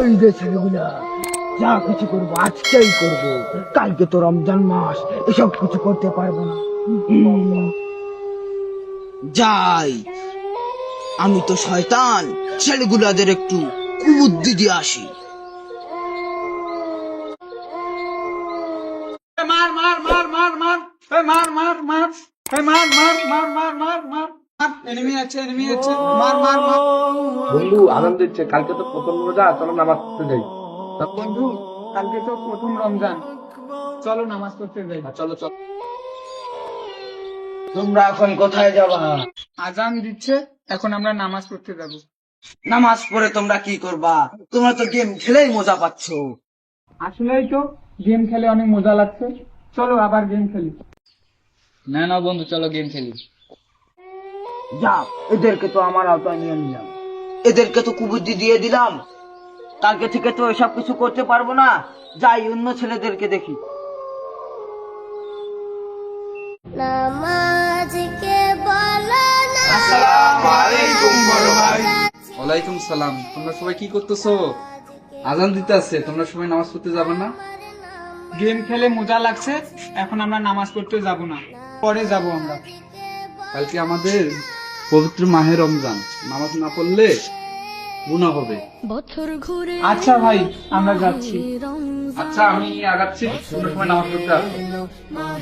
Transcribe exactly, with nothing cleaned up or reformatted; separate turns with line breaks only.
ওই যে ছেলেগুলা যা কিছু করবো আজকেই করবো, কালকে তো রমজান মাস, এসব কিছু করতে পারবো না। হুম, যাই, আমি তো শয়তান, ছেলেগুলাদের একটু কুবুদ্ধি দিয়ে আসি।
মার মার মার মার মার এ মার মার মার এ মার মার মার মার মার মার এনিমি আছে এনিমি আছে মার মার মার
বন্ধু আনন্দ দিচ্ছে, কালকে তো প্রথম রোজা, চলো নামাজ পড়তে যাই।
বন্ধু কালকে তো প্রথম রমজান, চলো নামাজ পড়তে যাই।
চলো চলো।
তোমরা এখন কোথায় যাবা?
আজান দিচ্ছে, এখন আমরা নামাজ পড়তে যাব।
নামাজ পড়ে তোমরা কি করবা? তোমরা তো গেম খেলেই মজা পাচ্ছ।
আসলেই তো গেম খেলে অনেক মজা লাগছে, চলো আবার গেম খেলি।
না না বন্ধু, চলো গেম খেলি।
যা, এদেরকে তো আমার আওতায় নিয়ে নিলাম, এদেরকে তো কুবুদ্ধি দিয়ে দিলাম, কালকে থেকে তো এসব কিছু করতে পারবো না। যাই, অন্য ছেলেদেরকে দেখি।
নামাজকে বলো না।
আসসালামু আলাইকুম বড় ভাই।
ওয়ালাইকুম সালাম। তোমরা সবাই কি করতেছো? আজান দিতে আছে, তোমরা সবাই নামাজ পড়তে যাবে না?
গেম খেলে মজা লাগছে, এখন আমরা নামাজ পড়তে যাব না, পরে যাব আমরা।
কালকে আমাদের পবিত্র মাহে রমজান, নামাজ না পড়লে গুনাহ হবে।
আচ্ছা ভাই, আমরা যাচ্ছি।
আচ্ছা আমি আগাচ্ছি, তোমরা সবাই নামাজ পড়তে আসো।